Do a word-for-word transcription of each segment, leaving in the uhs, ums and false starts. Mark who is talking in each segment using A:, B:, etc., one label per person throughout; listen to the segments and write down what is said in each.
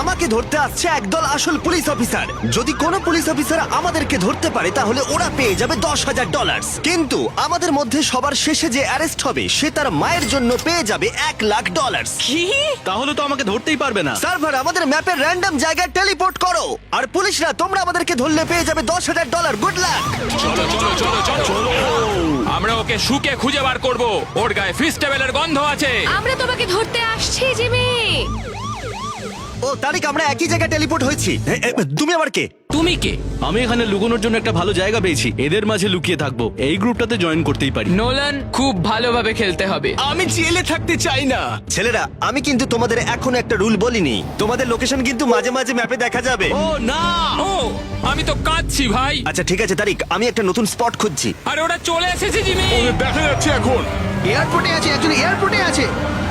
A: আমাকে ধরতে আসছে একদল আসল পুলিশ অফিসার। যদি কোনো পুলিশ অফিসার আমাদেরকে ধরতে পারে তাহলে ওরা পেয়ে যাবে দশ হাজার ডলার। কিন্তু আমাদের মধ্যে সবার শেষে যে অ্যারেস্ট হবে সে তার মায়ের জন্য পেয়ে যাবে এক লাখ ডলার।
B: কি?
C: তাহলে তো আমাকে ধরতেই পারবে না।
A: সার্ভার আমাদের ম্যাপের র্যান্ডম জায়গায় টেলিপোর্ট করো, আর পুলিশরা তোমরা আমাদেরকে ধরলে পেয়ে যাবে দশ হাজার ডলার। Good luck.
D: চলো চলো চলো চলো আমরা ওকে শুকে খুঁজে বার করব। ওর গায়ে ফিস্টেবলের গন্ধ আছে।
B: আমরা তোমাকে ধরতে আসছি জিমি।
A: ও তারিখ, আমরা একই জায়গায় টেলিপোর্ট হয়েছি। এ, এ, তুমি আবার কে?
D: তুমি কে?
C: আমি এখানে লুকোনোর জন্য একটা ভালো জায়গা পেয়েছি, এদের মাঝে লুকিয়ে থাকবো। এই গ্রুপটাতে জয়েন করতেই পারি।
E: নোলান, খুব ভালোভাবে খেলতে হবে।
F: আমি জেলে থাকতে চাই না।
A: ছেলেরা, আমি কিন্তু তোমাদের এখনো একটা রুল বলিনি। তোমাদের লোকেশন কিন্তু মাঝে মাঝে ম্যাপে দেখা যাবে।
C: ও না,
D: ও আমি তো কাঁদছি ভাই।
A: আচ্ছা ঠিক আছে তারিক, আমি একটা নতুন স্পট খুঁজছি।
D: আরে ওরা চলে এসেছে জিমি।
F: দেখা যাচ্ছে এখন।
G: এয়ারপোর্টে আছে, একজন এয়ারপোর্টে আছে।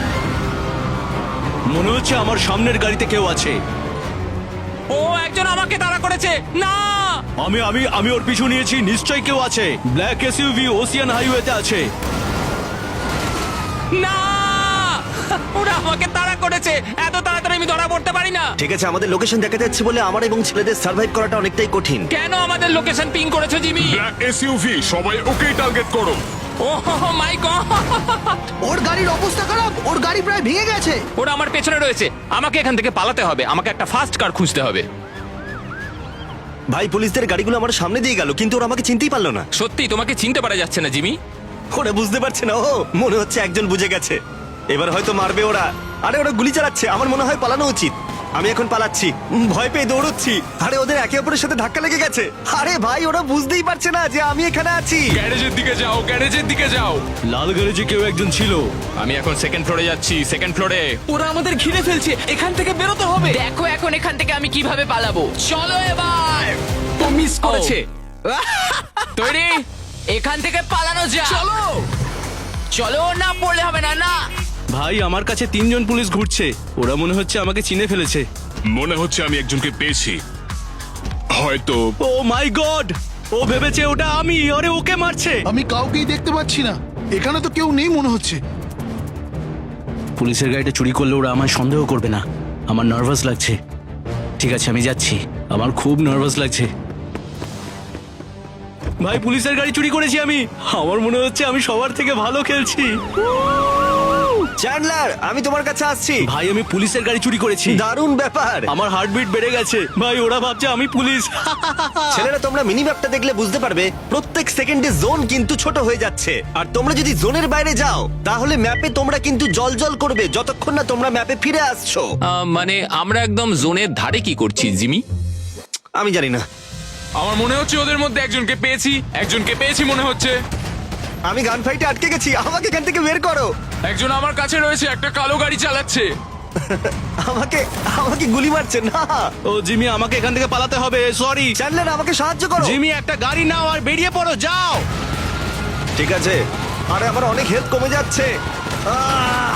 C: মনে হচ্ছে আমার সামনের গাড়িতে কেউ আছে।
D: ও একজন আমাকে তাড়া করেছে। না
C: আমি আমি আমি ওর পিছু নিয়েছি, নিশ্চয়ই কেউ আছে। ব্ল্যাক এসইউভি ওসিয়ান হাইওয়েতে আছে।
D: না ওরা আমাকে তাড়া করেছে। এত তাড়াতাড়ি আমি ধরা পড়তে পারি না।
A: ঠিক আছে, আমাদের লোকেশন দেখা যাচ্ছে বলে আমার এবং ছেলেদের সার্ভাইভ করাটা অনেকটাই কঠিন।
D: কেন আমাদের লোকেশন পিং করেছো জিমি?
F: ব্ল্যাক এসইউভি, সবাই ওকেই টার্গেট করো।
D: ও মাই গড,
G: ওর গাড়ির অবস্থা খারাপ, ওর গাড়ি প্রায় ভেঙে গেছে।
D: ওরা আমার পেছনে রয়েছে। আমাকে এখান থেকে পালাতে হবে। আমাকে একটা ফাস্ট কার খুঁজতে হবে।
A: ভাই, পুলিশদের গাড়িগুলো আমার সামনে দিয়ে গেল কিন্তু ওরা আমাকে চিনতেই পারলো না।
D: সত্যি তোমাকে চিনতে পারা যাচ্ছে না জিমি।
A: ওরা বুঝতে পারছে না। ও মনে হচ্ছে একজন বুঝে গেছে, এবার হয়তো মারবে ওরা। আরে ওরা গুলি চালাচ্ছে, আমার মনে হয় পালানো উচিত। আমি এখন পালাচ্ছি, উম, ভয় পেয়ে দৌড়চ্ছি। আরে ওদের একে অপরের সাথে ধাক্কা লেগে গেছে। আরে ভাই, ওরা বুঝতেই পারছে না যে আমি এখানে আছি।
D: গ্যারেজের দিকে যাও, গ্যারেজের দিকে যাও।
C: লাল গ্যারেজে কেউ একজন ছিল।
D: আমি এখন সেকেন্ড ফ্লোরে যাচ্ছি, সেকেন্ড ফ্লোরে।
F: ওরা আমাদের ঘিরে ফেলছে, এখান থেকে বেরোতে হবে।
E: দেখো এখন এখান থেকে আমি কিভাবে পালাবো। চলো এবার।
F: ও মিস করেছে।
D: তৈরি?
E: এখান থেকে পালানো যা। চলো চলো, না পড়লে হবে না। না
C: ভাই, আমার কাছে তিনজন পুলিশ ঘুরছে। ওরা মনে হচ্ছে আমাকে চিনে ফেলেছে।
F: মনে হচ্ছে আমি একজনকে পেয়েছি, হয়তো।
C: ও মাই গড, ও ভেবেছে ওটা আমি। আরে ওকে মারছে।
G: আমি কাউকেই দেখতে পাচ্ছি না, এখানে তো কেউ নেই মনে হচ্ছে।
C: পুলিশের গাড়িটা চুরি করলে ওরা আমায় সন্দেহ করবে না। আমার নার্ভাস লাগছে। ঠিক আছে, আমি যাচ্ছি। আমার খুব নার্ভাস লাগছে। ভাই, পুলিশের গাড়ি চুরি করেছি আমি। আমার মনে হচ্ছে আমি সবার থেকে ভালো খেলছি।
A: চ্যান্ডলার, আমি তোমার কাছে আসছি।
C: ভাই, আমি পুলিশের গাড়ি চুরি করেছি।
A: দারুণ ব্যাপার।
C: আমার হার্টবিট বেড়ে গেছে। ভাই, ওরা ভাবছে আমি পুলিশ।
A: ছেলেরা, তোমরা মিনি ম্যাপটা দেখলে বুঝতে পারবে প্রত্যেক সেকেন্ডে জোন কিন্তু ছোট হয়ে যাচ্ছে। আর তোমরা যদি জোনের বাইরে যাও তাহলে ম্যাপে তোমরা কিন্তু জলজল করবে যতক্ষণ না তোমরা ম্যাপে ফিরে আসছো।
D: আহ, মানে আমরা একদম জোনের ধারে কি করছি জিমি?
A: আমি জানি না।
D: আমার মনে হচ্ছে ওদের মধ্যে একজনকে পেয়েছি। একজনকে পেয়েছি মনে হচ্ছে।
A: আমি গান ফাইটে আটকে গেছি, আমাকে এখান থেকে বের করো।
D: একজন আমার কাছে রয়েছে, একটা কালো গাড়ি চালাচ্ছে।
A: আমাকে আমাকে গুলি মারছে না।
C: ও জিমি, আমাকে এখান থেকে পালাতে হবে। সরি
A: চ্যান্ডলার, আমাকে সাহায্য করো।
C: জিমি, একটা গাড়ি নাও আর বেরিয়ে পড়ো। যাও।
A: ঠিক আছে। আরে আমার অনেক হেলথ কমে যাচ্ছে। আহ!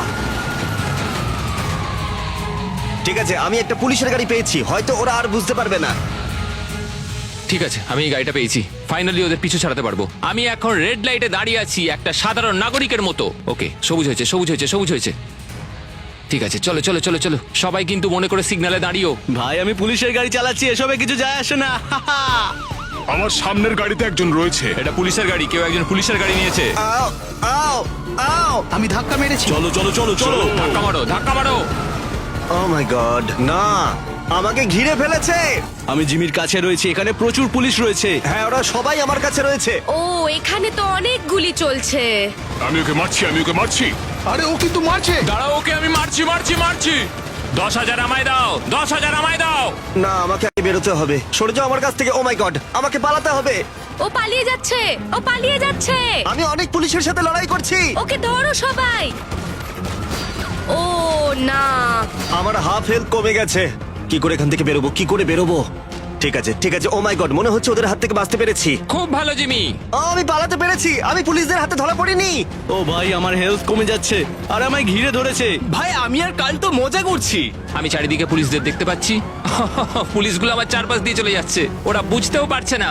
A: ঠিক আছে, আমি একটা পুলিশের গাড়ি পেয়েছি, হয়তো ওরা আর বুঝতে পারবে না।
D: ঠিক আছে, আমি এই গাড়িটা পেয়েছি। ফাইনালি ওদের পিছু ছাড়াতে পারবো। আমি এখন রেড লাইটে দাঁড়িয়ে আছি একটা সাধারণ নাগরিকের মতো। ওকে, সবুজ হয়েছে, সবুজ হয়েছে, সবুজ হয়েছে। ঠিক আছে, চলো চলো চলো চলো। সবাই কিন্তু মনে করে সিগন্যালে দাঁড়িয়েও।
C: ভাই, আমি পুলিশের গাড়ি চালাচ্ছি, এসবে কিছু যায় আসে না।
F: আমার সামনের গাড়িতে একজন রয়েছে।
D: এটা পুলিশের গাড়ি, কেউ একজন পুলিশের গাড়ি নিয়েছে।
A: আও আও আও!
G: আমি ধাক্কা মেরেছি।
C: চলো চলো চলো চলো।
D: ধাক্কা মারো, ধাক্কা মারো।
A: ও মাই গড, না! আমাকে ঘিরে ফেলেছে।
C: আমি জিমির কাছে রয়েছি, এখানে প্রচুর পুলিশ রয়েছে।
A: হ্যাঁ, ওরা সবাই আমার কাছে রয়েছে।
B: ও, এখানে তো অনেক গুলি চলছে।
F: আমি ওকে মারছি, আমি ওকে মারছি।
G: আরে ও কিন্তু মারছে।
D: দাঁড়াও, ওকে আমি মারছি মারছি মারছি। দশ হাজার আমায় দাও, দশ হাজার আমায় দাও।
A: না, আমাকে আগে বেরোতে হবে। সরে যাও আমার কাছ থেকে। ও মাই গড, আমাকে পালাতে হবে।
B: ও পালিয়ে যাচ্ছে, ও পালিয়ে যাচ্ছে।
A: আমি অনেক পুলিশের সাথে লড়াই করছি।
B: ওকে ধরো সবাই। ও না,
A: আমার হাফ হেলথ কমে গেছে। কি করে এখান থেকে বেরোবো, কি করে বেরোবো? ঠিক আছে ঠিক আছে। ও মাই গড, মনে হচ্ছে ওদের হাত থেকে বাঁচতে পেরেছি।
D: খুব ভালো জিমি।
A: ও, আমি পালাতে পেরেছি। আমি পুলিশদের হাতে ধরা পড়িনি।
C: ও ভাই, আমার হেলথ কমে যাচ্ছে আর আমায় ঘিরে ধরেছে।
F: ভাই, আমি আর কাল তো মজা করছি।
D: আমি চারিদিকে পুলিশদের দেখতে পাচ্ছি। পুলিশগুলো আমার চারপাশ দিয়ে চলে যাচ্ছে। ওরা বুঝতেও পারছে না।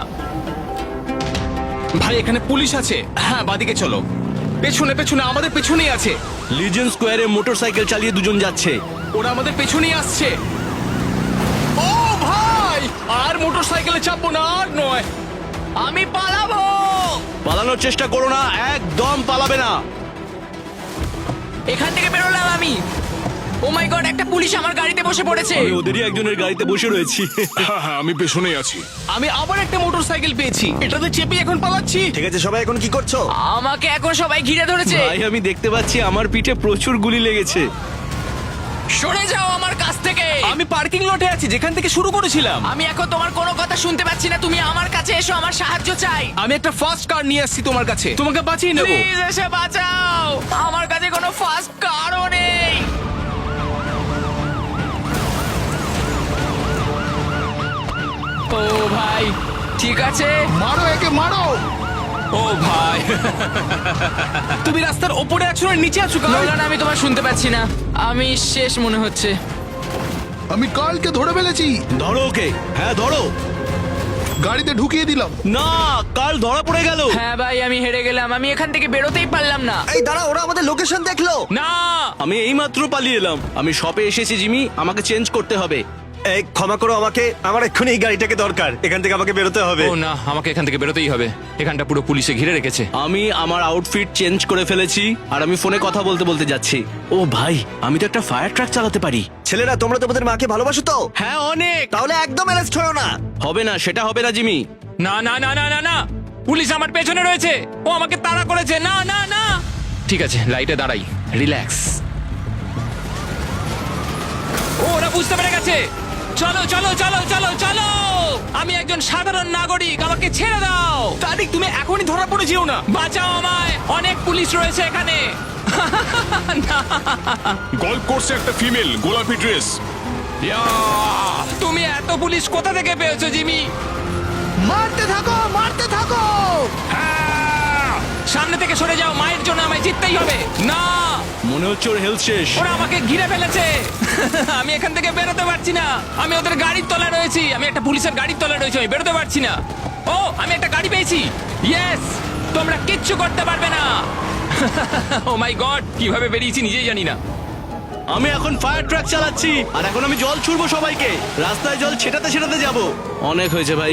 F: ভাই, এখানে পুলিশ আছে। হ্যাঁ, বাদিকে চলো। পেছনে পেছনে, আমাদের পেছনেই আছে।
C: লিজেন্ড স্কোয়ারে মোটরসাইকেল চালিয়ে দুজন যাচ্ছে।
F: ওরা আমাদের পেছনেই আসছে। জলে চাপবো না আর নয়।
E: আমি পালাবো।
C: পালানোর চেষ্টা করো না, একদম পালাবে না।
E: এখান থেকে বেরোলাম আমি। ও মাই গড, একটা পুলিশ আমার গাড়িতে বসে পড়েছে।
C: আমি ওদেরই একজনের গাড়িতে বসে রয়েছি।
H: হ্যাঁ হ্যাঁ আমি পেছনেই আছি।
F: আমি আবার একটা মোটরসাইকেল পেয়েছি, এটাতে চেপে এখন পালাচ্ছি।
A: ঠিক আছে সবাই এখন কি করছো?
E: আমাকে এখন সবাই ঘিরে ধরেছে।
C: ভাই আমি দেখতে পাচ্ছি আমার পিঠে প্রচুর গুলি লেগেছে।
E: সরে যাও আমার কাছ থেকে।
F: আমি পার্কিং লটে আছি যেখান থেকে শুরু করেছিলাম।
E: আমি এখন তোমার কোনো কথা শুনতে পাচ্ছি না। তুমি আমার কাছে এসো, আমার সাহায্য চাই।
F: আমি একটা ফার্স্ট কার নিয়ে আসছি তোমার কাছে, তোমাকে বাঁচিয়ে নেবো।
E: প্লিজ এসে বাঁচাও। আমার কাছে কোনো ফাস্ট কারও নেই। ও ভাই, ঠিক আছে।
G: মারো একে মারো।
D: ও ভাই,
F: তুমি রাস্তার ওপরে আছো না নিচে আছো? কার?
E: নোলান, আমি তোমার শুনতে পাচ্ছি না। আমি শেষ মনে হচ্ছে।
G: আমি কালকে ধরে ফেলেছি,
C: ধরো ওকে, হ্যাঁ ধরো।
G: গাড়িতে ঢুকিয়ে দিলাম।
C: না, কাল ধরা পড়ে গেল।
E: হ্যাঁ ভাই, আমি হেরে গেলাম। আমি এখান থেকে বেরোতেই পারলাম না।
A: এই দাঁড়া, ওরা আমাদের লোকেশন দেখলো।
D: না
C: আমি এইমাত্র পালিয়ে এলাম। আমি শপে এসেছি জিমি, আমাকে চেঞ্জ করতে হবে।
A: এই ক্ষমা করো আমাকে, আমার এক্ষুনি এই গাড়িটাকে দরকার, এখান থেকে আমাকে বেরোতে হবে।
D: ও না, আমাকে এখান থেকে বেরোতেই হবে। এখানটা পুরো পুলিশে ঘিরে রেখেছে।
C: আমি আমার আউটফিট চেঞ্জ করে ফেলেছি আর আমি ফোনে কথা বলতে বলতে যাচ্ছি। ও ভাই, আমি তো একটা ফায়ার ট্রাক চালাতে পারি।
A: ছেলেরা তোমরা তোমাদের মাকে ভালোবাসো তো?
C: হ্যাঁ অনেক।
A: তাহলে একদম অ্যারেস্ট হয়েও না।
C: হবে না, সেটা হবে না জিমি।
D: না না না না না না, পুলিশ আমার পেছনে রয়েছে। ও আমাকে তাড়া করেছে। না না না। ঠিক আছে, লাইটে দাঁড়াই, রিল্যাক্স। ও, ওরা বুঝতে পেরে গেছে। চলো চলো চলো চলো চলো। আমি একজন সাধারণ নাগরিক, আমাকে ছেড়ে দাও।
F: তারিক, তুমি এখনই ধরা পড়ে যেও না।
D: বাঁচাও আমায়, অনেক পুলিশ রয়েছে এখানে।
H: গল্ফ কোর্সে একটা ফিমেল, গোলাপি ড্রেস।
D: ইয়া, তুমি এত পুলিশ কোথা থেকে পেয়েছো জিমি?
G: মারতে থাকো মারতে থাকো।
D: সামনে থেকে সরে যাও, মায়ের জন্য আমায় জিততেই হবে। না,
C: মনে হচ্ছে ওর হেলথ শেষ।
D: ওরা আমাকে ঘিরে ফেলেছে। আমি এখান থেকে বেরোতে পারছি না। আমি ওদের গাড়ির তলায় রয়েছি। আমি একটা পুলিশের গাড়ির তলায় রয়েছি, আমি বেরোতে পারছি না। ও, আমি একটা গাড়ি পেয়েছি। ইয়েস, তোমরা কিচ্ছু করতে পারবে না। ও মাই গড, কিভাবে বেরিয়েছি নিজেই জানি না।
C: আমি এখন ফায়ার ট্রাক চালাচ্ছি আর এখন আমি জল ছুড়বো সবাইকে। রাস্তায় জল ছেটাতে ছেটাতে যাব। অনেক হয়েছে ভাই।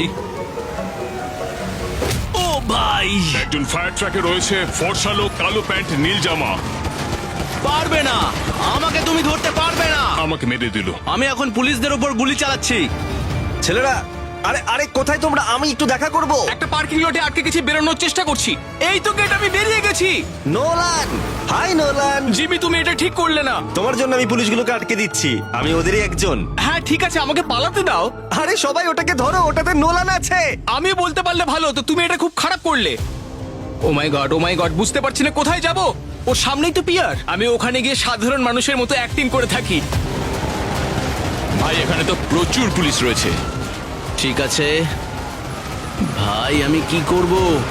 C: ও ভাই,
H: একজন ফায়ার ট্রাকে রয়েছে, ফর্সা লোক, কালো প্যান্ট, নীল জামা।
C: পারবে না, আমাকে তুমি ধরতে পারবে না।
H: আমাকে মেরে দিল।
C: আমি এখন পুলিশদের উপর গুলি চালাচ্ছি।
A: ছেলেরা, আরে আরে কোথায় তোমরা? আমি একটু দেখা করব।
F: একটা পার্কিং লটে আটকে গেছি, বেরোনোর চেষ্টা করছি। এই তো গেট, আমি বেরিয়ে গেছি।
A: Nolan, hi Nolan.
F: জিমি, তুমি এটা ঠিক করলে না।
A: তোমার জন্য আমি পুলিশগুলোকে আটকে দিচ্ছি, আমি ওদেরই একজন।
F: হ্যাঁ ঠিক আছে, আমাকে পালাতে দাও।
A: আরে সবাই ওটাকে ধরো, ওটাতে নোলান আছে।
F: আমি বলতে পারলে ভালো হতো, তুমি এটা খুব খারাপ করলে। ও my god, O my god, বুঝতে পারছি না কোথায় যাব। ও সামনেই তো পিয়ার। আমি ওখানে গিয়ে সাধারণ মানুষের মতো অ্যাক্টিং করে থাকি।
D: ভাই, এখানে তো প্রচুর পুলিশ রয়েছে।
C: ঠিক আছে ভাই, আমি কি করব?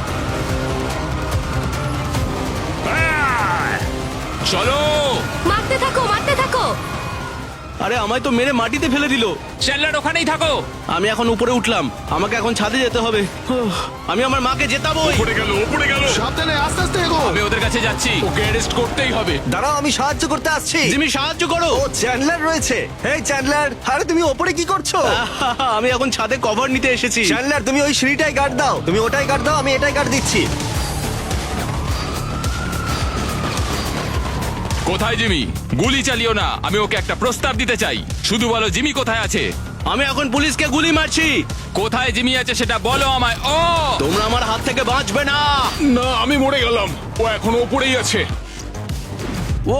D: চলো।
B: মারতে থাকো মারতে থাকো।
C: আরে আমায় তো মেরে মাটিতে ফেলে দিল।
D: চ্যান্ডলার, ওখানেই থাকো।
C: আমি এখন উপরে উঠলাম, আমাকে এখন ছাদে যেতে হবে। উফ, আমি আমার মাকে জেতাবোই।
H: পড়ে গেল, ও পড়ে গেল।
G: সাবধানে আস্তে আস্তে এগো।
D: আমি ওদের কাছে যাচ্ছি।
F: ওকে অ্যারেস্ট করতেই হবে।
A: দাঁড়াও, আমি সাহায্য করতে আসছি।
C: জিমি সাহায্য করো।
A: ও চ্যান্ডলার রয়েছে। এই চ্যান্ডলার, আরে তুমি ওপরে কি করছো?
C: আমি এখন ছাদে কভার নিতে এসেছি।
A: চ্যান্ডলার, তুমি ওই সিঁড়িটাই গার্ড দাও। তুমি ওটাই গার্ড দাও, আমি এটাই গার্ড দিচ্ছি।
D: কোথায় জিমি? গুলি চালিও না, আমি ওকে একটা প্রস্তাব দিতে চাই। শুধু বলো জিমি কোথায় আছে।
C: আমি এখন পুলিশকে গুলি মারছি।
D: কোথায় জিমি আছে সেটা বলো আমায়। ও,
C: তোমরা আমার হাত থেকে বাঁচবে না।
H: না, আমি মরে গেলাম। ও এখন ওপরেই আছে।
C: ও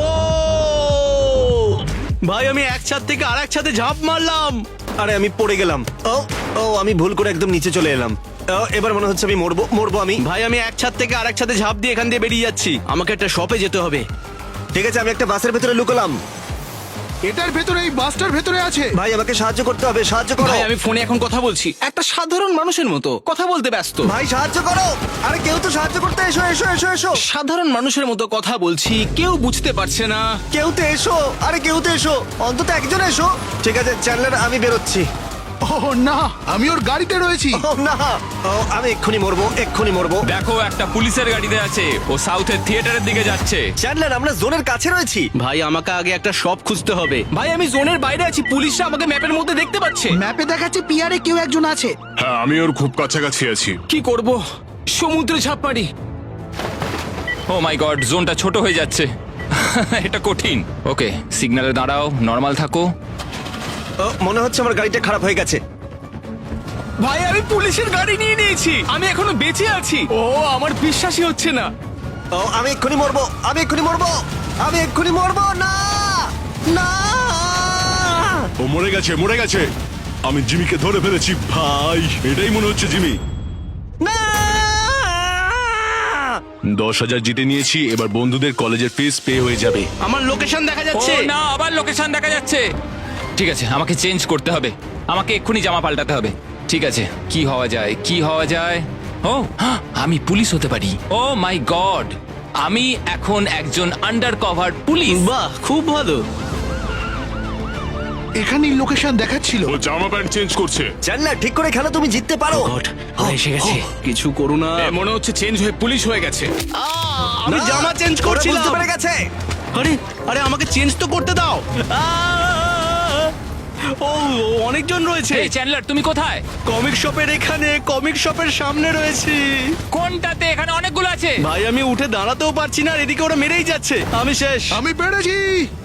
C: ভাই, আমি এক ছাদ থেকে আর এক ছাদে ঝাঁপ মারলাম।
A: আরে আমি পড়ে গেলাম। ও ও আমি ভুল করে একদম নিচে চলে এলাম। ও, এবার মনে হচ্ছে আমি মরবো মরবো আমি।
C: ভাই, আমি এক ছাদ থেকে আর এক ছাদে ঝাঁপ দিয়ে এখান দিয়ে বেরিয়ে যাচ্ছি। আমাকে একটা শপে যেতে হবে।
A: ঠিক আছে, আমি একটা বাসের ভেতরে লুকলাম।
G: এটার ভেতরে, এই বাসটার ভেতরে আছে।
A: ভাই আমাকে সাহায্য করতে হবে, সাহায্য করো।
F: ভাই, আমি ফোনে এখন কথা বলছি, একটা সাধারণ মানুষের মতো কথা বলতে ব্যস্ত।
A: ভাই সাহায্য করো। আরে কেউ তো সাহায্য করতে এসো এসো এসো এসো।
F: সাধারণ মানুষের মতো কথা বলছি, কেউ বুঝতে পারছে না।
A: কেউ তো এসো, আরে কেউ তো এসো, অন্তত একজন এসো। ঠিক আছে চ্যান্ডলার, আমি বেরোচ্ছি। ও
G: ও না, আমি ওর গাড়িতে রয়েছি।
A: ও না, ও, আমি এক্ষুনি মরবো, এক্ষুনি মরবো।
D: দেখো একটা পুলিশের গাড়িতে আছে, ও সাউথের থিয়েটারের দিকে যাচ্ছে।
A: চ্যান্ডলার, আমরা জোনের কাছে রয়েছি।
C: ভাই আমাকে আগে একটা শপ খুঁজতে হবে।
F: ভাই আমি জোনের বাইরে আছি, পুলিশরা আমাকে ম্যাপের মধ্যে দেখতে পাচ্ছে।
G: ম্যাপে দেখাচ্ছে পিয়ারে কেউ একজন আছে।
H: হ্যাঁ আমি ওর খুব কাছাকাছি আছি।
F: কি করব? সমুদ্রে ঝাঁপ মারি।
D: ও মাই গড, জোনটা ছোট হয়ে যাচ্ছে। এটা কঠিন। ওকে, সিগন্যালে দাঁড়াও, নর্মাল থাকো।
A: ও, মনে হচ্ছে আমার গাড়িটা খারাপ হয়ে গেছে।
F: ভাই আমি পুলিশের গাড়ি নিয়ে নিয়েছি, আমি এখনো বেঁচে আছি। ও আমার বিশ্বাসই হচ্ছে না।
A: ও, আমি এক্ষুনি মরবো, আমি এক্ষুনি মরবো, আমি এক্ষুনি মরবো। না না,
H: ও মরে গেছে, মরে গেছে। আমি জিমিকে ধরে ফেলেছি ভাই, এটাই মনে হচ্ছে জিমি।
A: না!
H: দশ হাজার জিতে নিয়েছি, এবার বন্ধুদের কলেজের ফিস পে হয়ে যাবে।
C: আমার লোকেশন দেখা
D: ও
C: যাচ্ছে।
D: না, আবার লোকেশন দেখা যাচ্ছে। ঠিক আছে, আমাকে চেঞ্জ করতে হবে, আমাকে এক্ষুনি জামা পাল্টাতে হবে। ঠিক আছে, কি হওয়া যায়, কি হওয়া যায়? ও হ্যাঁ, আমি পুলিশ হতে পারি। ও মাই গড, আমি এখন একজন আন্ডার কভার পুলিশ।
C: বাহ, খুব ভালো।
G: এখানেই লোকেশন দেখাচ্ছিল।
H: ও জামা প্যান্ট চেঞ্জ করছে।
A: চ্যান্ডলার, ঠিক করে খেলো, তুমি জিততে পারো।
C: গড, ওরা এসে গেছে। কিছু করো না।
F: এ, মনে হচ্ছে চেঞ্জ হয়ে পুলিশ হয়ে গেছে।
C: আমি
A: না,
C: জামা চেঞ্জ
A: ওরা
C: করছিলাম।
A: বুঝতে পেরে গেছে।
C: আরে আরে আমাকে চেঞ্জ তো করতে দাও। আহ! ও ও, অনেকজন রয়েছে।
D: এই চ্যান্ডলার, তুমি কোথায়?
C: কমিক শপের এখানে, কমিক শপের সামনে রয়েছি।
D: কোনটাতে? এখানে অনেকগুলো আছে।
C: ভাই আমি উঠে দাঁড়াতেও পারছি না, আর এদিকে ওরা মেরেই যাচ্ছে। আমি শেষ।
G: আমি পেরেছি।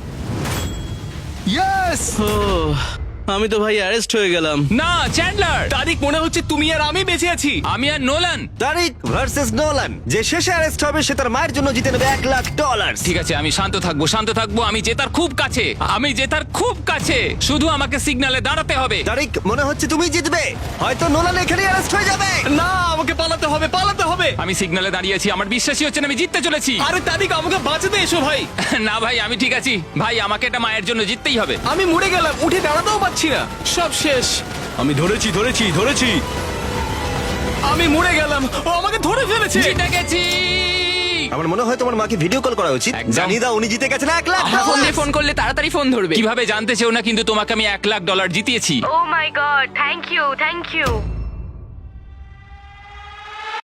G: ইয়েস!
C: ও, আমি তো ভাই অ্যারেস্ট হয়ে গেলাম।
D: না চ্যান্ডলার,
F: তারিখ মনে হচ্ছে তুমি আর আমি বেঁচে আছি।
D: আমি আর নোলান।
A: তারিক ভার্সেস নোলান, যে শেষে অ্যারেস্ট হবে সে তার মায়ের জন্য জিতে নেবে এক লাখ ডলার।
D: ঠিক আছে, আমি শান্ত থাকবো, শান্ত থাকবো। আমি জেতার খুব কাছে, আমি জেতার খুব কাছে। শুধু আমাকে সিগন্যালে দাঁড়াতে হবে।
A: তারিক, মনে হচ্ছে তুমি জিতবে, হয়তো নোলান এখানে অ্যারেস্ট হয়ে যাবে।
F: না, আমাকে পালাতে হবে, পালাতে হবে।
D: আমি সিগন্যালে দাঁড়িয়ে আছি, আমার বিশ্বাসই হচ্ছে না আমি জিততে চলেছি।
F: আরে তারিখ, আমাকে বাঁচাতে এসো ভাই।
D: না ভাই, আমি ঠিক আছি ভাই, আমাকে এটা মায়ের জন্য জিততেই হবে।
F: আমি মরে গেলাম, উঠে দাঁড়াতেও পারছি না, সব শেষ।
C: আমি ধরেছি ধরেছি ধরেছি
F: আমি মরে গেলাম, ও আমাকে ধরে ফেলেছে।
D: জিতে গেছি।
A: আমার মনে হয় তোমার মাকে ভিডিও কল করা উচিত।
D: একদম।
A: জানিয়ে দাও উনি জিতে গেছেন এক লাখ
E: আমার ফোন
A: ডলার।
E: দিয়ে ফোন করলে তাড়াতাড়ি ফোন ধরবে।
D: কিভাবে জানতে চেও না, কিন্তু তোমাকে আমি এক লাখ ডলার জিতিয়েছি।
B: Oh my god, thank you, thank you.